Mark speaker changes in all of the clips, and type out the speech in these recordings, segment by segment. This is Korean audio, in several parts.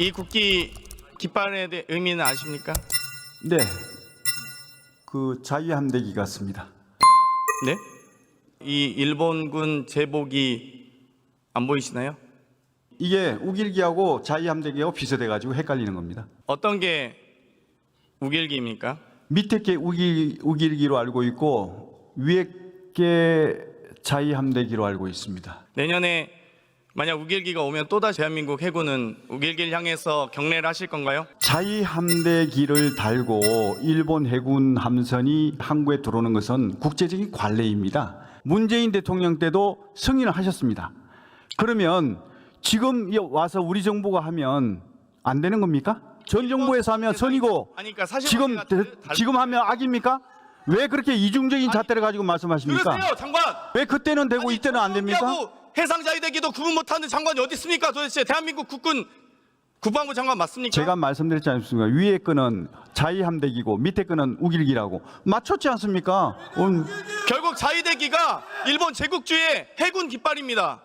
Speaker 1: 이 국기 깃발에 대해 의미는 아십니까?
Speaker 2: 네, 그 자유함대기 같습니다.
Speaker 1: 네? 이 일본군 제복이 안 보이시나요?
Speaker 2: 이게 우길기하고 자유함대기하고 비슷해가지고 헷갈리는 겁니다.
Speaker 1: 어떤 게 우길기입니까?
Speaker 2: 밑에 게 우길기로 알고 있고 위에 게 자유함대기로 알고 있습니다.
Speaker 1: 내년에 만약 우길기가 오면 또다시 대한민국 해군은 우길기를 향해서 경례를 하실 건가요?
Speaker 2: 자유함대기를 달고 일본 해군 함선이 항구에 들어오는 것은 국제적인 관례입니다. 문재인 대통령 때도 승인을 하셨습니다. 그러면 지금 와서 우리 정부가 하면 안 되는 겁니까? 전 정부에서 하면 선이고
Speaker 1: 아니, 그러니까
Speaker 2: 지금 하면 악입니까? 왜 그렇게 이중적인 잣대를 가지고 말씀하십니까?
Speaker 1: 들으세요, 장관.
Speaker 2: 왜 그때는 되고 이때는 안 됩니까?
Speaker 1: 해상 자유대기도 구분 못하는 장관이 어디 있습니까? 도대체 대한민국 국군 국방부 장관 맞습니까?
Speaker 2: 제가 말씀드렸지 않습니까? 위에 거는 자유함대기고 밑에 거는 우길기라고 맞췄지 않습니까?
Speaker 1: 결국 자유대기가 일본 제국주의 해군 깃발입니다.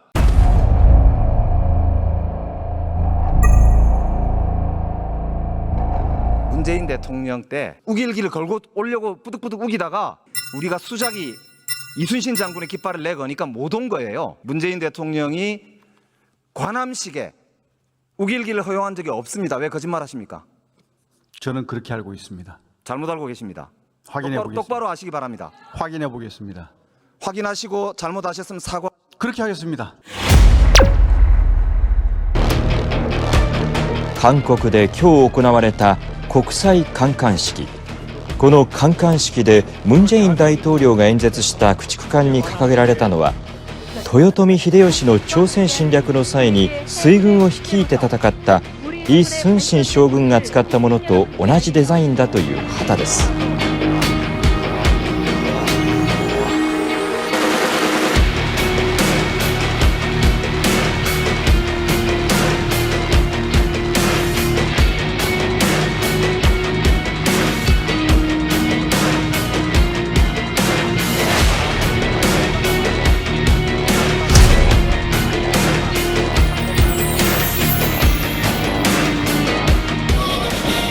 Speaker 3: 문재인 대통령 때 우길기를 걸고 오려고 뿌득뿌득 우기다가 우리가 수작이 이순신 장군의 깃발을 내거니까 못 온 거예요. 문재인 대통령이 관함식에 우길기를 허용한 적이 없습니다. 왜 거짓말하십니까?
Speaker 2: 저는 그렇게 알고 있습니다.
Speaker 3: 잘못 알고 계십니다.
Speaker 2: 확인해 보겠습니다.
Speaker 3: 똑바로 아시기 바랍니다.
Speaker 2: 확인해 보겠습니다.
Speaker 3: 확인하시고 잘못하셨으면 사과.
Speaker 2: 그렇게 하겠습니다.
Speaker 4: 韓国で今日行われた国際観艦式。この観艦式でムン・ジェイン大統領が演説した駆逐艦に掲げられたのは豊臣秀吉の朝鮮侵略の際に水軍を率いて戦ったイ・スンシン将軍が使ったものと同じデザインだという旗です。